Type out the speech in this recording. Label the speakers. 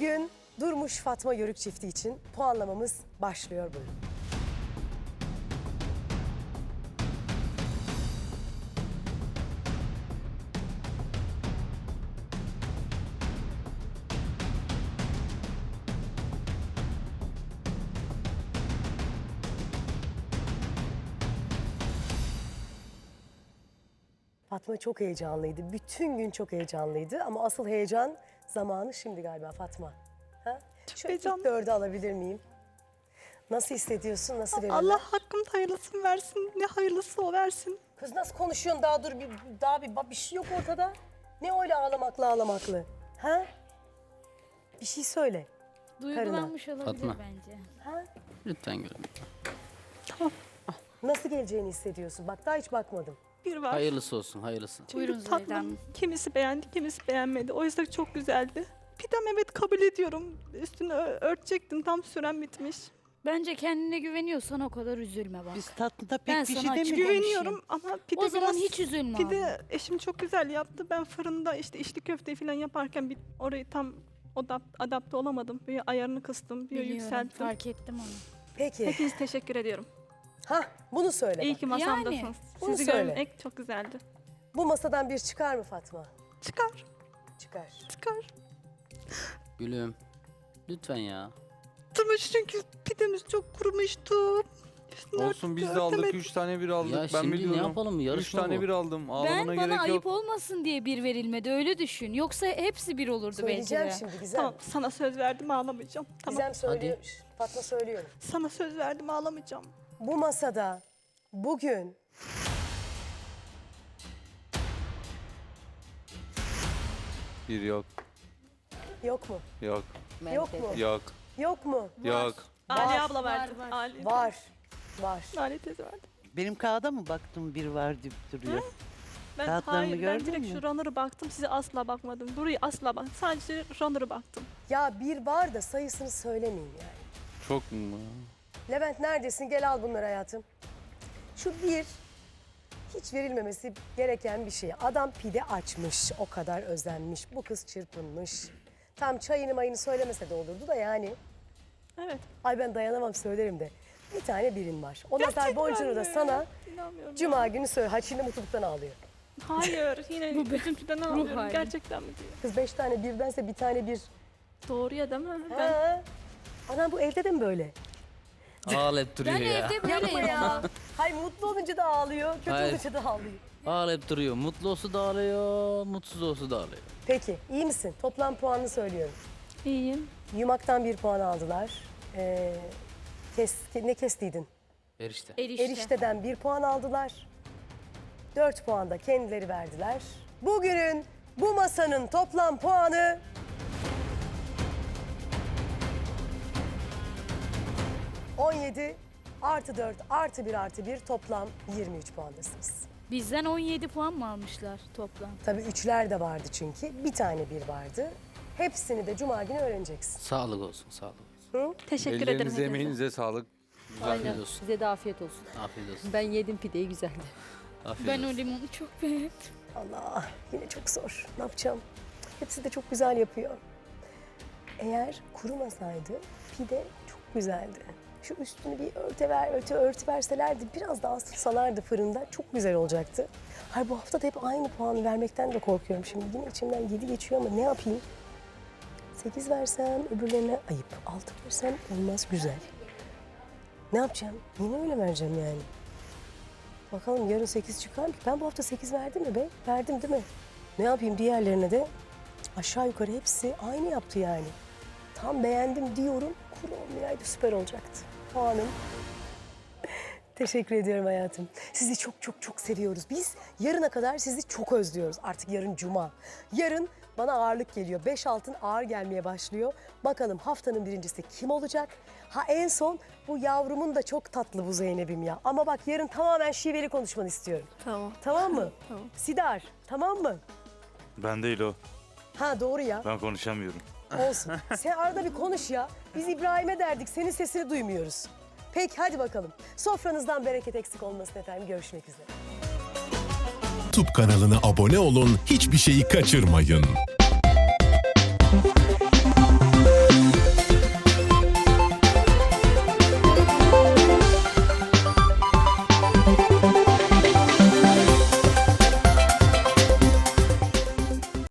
Speaker 1: Bugün Durmuş Fatma Yörük çifti için puanlamamız başlıyor buyurun. Fatma çok heyecanlıydı. Bütün gün çok heyecanlıydı ama asıl heyecan zamanı şimdi galiba Fatma. Ha? Şu ilk dördü alabilir miyim? Nasıl hissediyorsun? Nasıl verirler?
Speaker 2: Allah hakkımda hayırlısını versin. Ne hayırlısı o versin.
Speaker 1: Kız nasıl konuşuyorsun? Daha dur bir şey yok ortada. Ne öyle ağlamaklı? Ha? Bir şey söyle.
Speaker 3: Duygulanmış olabilir
Speaker 4: Fatma.
Speaker 3: bence.
Speaker 1: Ha?
Speaker 4: Lütfen gülüm.
Speaker 1: Nasıl geleceğini hissediyorsun? Bak daha hiç bakmadım.
Speaker 2: Bir var.
Speaker 4: Hayırlısı olsun, hayırlısı.
Speaker 2: Çünkü
Speaker 3: Buyurun Züheyda
Speaker 2: tatlım
Speaker 3: Hanım.
Speaker 2: kimisi beğendi, kimisi beğenmedi. O yüzden çok güzeldi. Pidem evet kabul ediyorum. Üstünü örtecektim. Tam süren bitmiş.
Speaker 3: Bence kendine güveniyorsan o kadar üzülme bak.
Speaker 5: Biz tatlıda
Speaker 3: Ben
Speaker 5: pek bir
Speaker 3: sana
Speaker 5: şey
Speaker 3: açık
Speaker 5: demiyoruz.
Speaker 2: Güveniyorum ama pide
Speaker 3: O zaman
Speaker 2: biraz...
Speaker 3: hiç üzülme
Speaker 2: Pide eşim çok güzel yaptı. Ben fırında işte içli köfte falan yaparken orayı tam adapte olamadım. Bir ayarını kıstım, bir
Speaker 3: Biliyorum,
Speaker 2: yükselttim.
Speaker 3: fark ettim onu.
Speaker 1: Peki.
Speaker 2: Hepinize teşekkür ediyorum.
Speaker 1: Ha, bunu söyle
Speaker 2: İyi
Speaker 1: bak.
Speaker 2: ki masamdasınız.
Speaker 3: Yani,
Speaker 1: bunu
Speaker 2: Sizi
Speaker 1: söyle.
Speaker 2: görmek çok güzeldi.
Speaker 1: Bu masadan bir çıkar mı Fatma?
Speaker 2: Çıkar,
Speaker 1: Çıkar.
Speaker 2: çıkar.
Speaker 4: Gülüm. Lütfen ya.
Speaker 2: Tırmış çünkü pidemiz çok kurumuştu. Üstünü
Speaker 6: Olsun biz de aldık.
Speaker 2: örtemedim.
Speaker 6: 3 tane bir aldık.
Speaker 4: Ya
Speaker 6: ben
Speaker 4: şimdi
Speaker 6: biliyorum.
Speaker 4: ne yapalım?
Speaker 6: 3
Speaker 4: Yarışma
Speaker 6: tane
Speaker 4: bu.
Speaker 6: bir aldım. Ağlamana
Speaker 3: Bana
Speaker 6: gerek
Speaker 3: ayıp
Speaker 6: yok.
Speaker 3: olmasın diye bir verilmedi öyle düşün. Yoksa hepsi bir olurdu belki
Speaker 1: Söyleyeceğim
Speaker 3: de.
Speaker 1: şimdi Gizem.
Speaker 2: Tamam, sana söz verdim ağlamayacağım. Tamam.
Speaker 1: Gizem söylüyor. Fatma söylüyorum.
Speaker 2: Sana söz verdim ağlamayacağım.
Speaker 1: Bu masada bugün
Speaker 6: Bir yok.
Speaker 1: yok mu?
Speaker 6: Yok.
Speaker 1: Yok mu?
Speaker 6: Yok.
Speaker 1: Yok mu?
Speaker 6: Yok.
Speaker 2: Ali abla
Speaker 3: var,
Speaker 2: verdi.
Speaker 3: var.
Speaker 2: Ali,
Speaker 1: Var. Var.
Speaker 2: Ali teyze verdi.
Speaker 5: Benim kağıda mı baktım bir var deyip duruyor.
Speaker 2: Ben
Speaker 5: Kağıtlarını
Speaker 2: hayır, ben
Speaker 5: gördün
Speaker 2: direkt
Speaker 5: mü?
Speaker 2: şu runner'ı baktım. Size asla bakmadım. Burayı asla bak. Sadece runner'ı baktım.
Speaker 1: Ya bir var da sayısını söylemeyeyim yani.
Speaker 6: Çok mu?
Speaker 1: Levent neredesin? Gel al bunları hayatım. Şu bir hiç verilmemesi gereken bir şey. Adam pide açmış, o kadar özenmiş. Bu kız çırpınmış. Tam çayını mayını söylemese de olurdu da yani.
Speaker 2: Evet.
Speaker 1: Ay ben dayanamam söylerim de. Bir tane birin var. O nazar boncuğunu da
Speaker 2: mi?
Speaker 1: sana
Speaker 2: İnanmıyorum.
Speaker 1: cuma günü söyle. Ha şimdi mutluluktan ağlıyor.
Speaker 2: Hayır. Yine üzüntüden ağlıyorum.
Speaker 3: hali.
Speaker 2: Gerçekten mi diyor.
Speaker 1: Kız 5 tane birdense bir tane bir.
Speaker 2: Doğru ya değil mi? Ben
Speaker 1: Ha. Anam bu evde de mi böyle?
Speaker 4: Ağlayıp duruyor
Speaker 3: Ben
Speaker 4: ya.
Speaker 3: evde
Speaker 1: Yapma
Speaker 3: böyleyim
Speaker 1: ya.
Speaker 3: ama.
Speaker 1: Hayır mutlu olunca da ağlıyor, kötü
Speaker 4: Hayır.
Speaker 1: olunca da ağlıyor.
Speaker 4: Ağlayıp duruyor. Mutlu olsa da ağlıyor, mutsuz olsa da ağlıyor.
Speaker 1: Peki iyi misin? Toplam puanını söylüyorum.
Speaker 2: iyiyim.
Speaker 1: Yumak'tan 1 puan aldılar. Ne kestiydin?
Speaker 4: Erişte.
Speaker 1: Erişteden 1 puan aldılar. 4 puan da kendileri verdiler. Bugünün bu masanın toplam puanı... 17 artı 4 artı 1 artı 1 toplam 23 puandasınız.
Speaker 3: Bizden 17 puan mı almışlar toplam?
Speaker 1: Tabii üçler de vardı çünkü. Bir tane bir vardı. Hepsini de cuma günü öğreneceksin.
Speaker 4: Sağlık olsun, sağlık olsun.
Speaker 1: Hı?
Speaker 2: Teşekkür ederim.
Speaker 6: Ellerinize
Speaker 2: hepinize.
Speaker 6: emeğinize sağlık.
Speaker 4: Afiyet olsun.
Speaker 7: Size de afiyet olsun.
Speaker 4: Afiyet olsun.
Speaker 7: Ben yedim pideyi güzeldi.
Speaker 4: Afiyet
Speaker 3: Ben o
Speaker 4: olsun.
Speaker 3: limonu çok beğendim.
Speaker 1: Allah yine çok zor. Ne yapacağım? Hepsi de çok güzel yapıyor. Eğer kurumasaydı pide çok güzeldi. Şu üstünü bir örtü verselerdi, biraz daha ısıtsalardı fırında çok güzel olacaktı. Hayır bu hafta da hep aynı puanı vermekten de korkuyorum şimdi. Yine içimden 7 geçiyor ama ne yapayım? 8 versem öbürlerine ayıp. 6 versem olmaz güzel. Ne yapacağım? Yine öyle vereceğim yani. Bakalım yarın 8 çıkar mı? Ben bu hafta 8 verdim mi be? Verdim değil mi? Ne yapayım diğerlerine de? Aşağı yukarı hepsi aynı yaptı yani. Tam beğendim diyorum. Kuru olmayaydı süper olacaktı. Puanım. Teşekkür ediyorum hayatım. Sizi çok çok çok seviyoruz. Biz yarına kadar sizi çok özlüyoruz. Artık yarın cuma. Yarın bana ağırlık geliyor. 5 altın ağır gelmeye başlıyor. Bakalım haftanın birincisi kim olacak? Ha en son bu yavrumun da çok tatlı bu Zeynep'im ya. Ama bak yarın tamamen şiveli konuşmanı istiyorum.
Speaker 2: Tamam.
Speaker 1: Tamam mı?
Speaker 2: Tamam.
Speaker 1: Sidar tamam mı?
Speaker 6: Ben değil o.
Speaker 1: Ha doğru ya.
Speaker 6: Ben konuşamıyorum.
Speaker 1: Olsun. Sen arada bir konuş ya. Biz İbrahim'e derdik. Senin sesini duymuyoruz. Peki hadi bakalım. Sofranızdan bereket eksik olmasın efendim. Görüşmek üzere.
Speaker 8: YouTube kanalına abone olun, hiçbir şeyi kaçırmayın.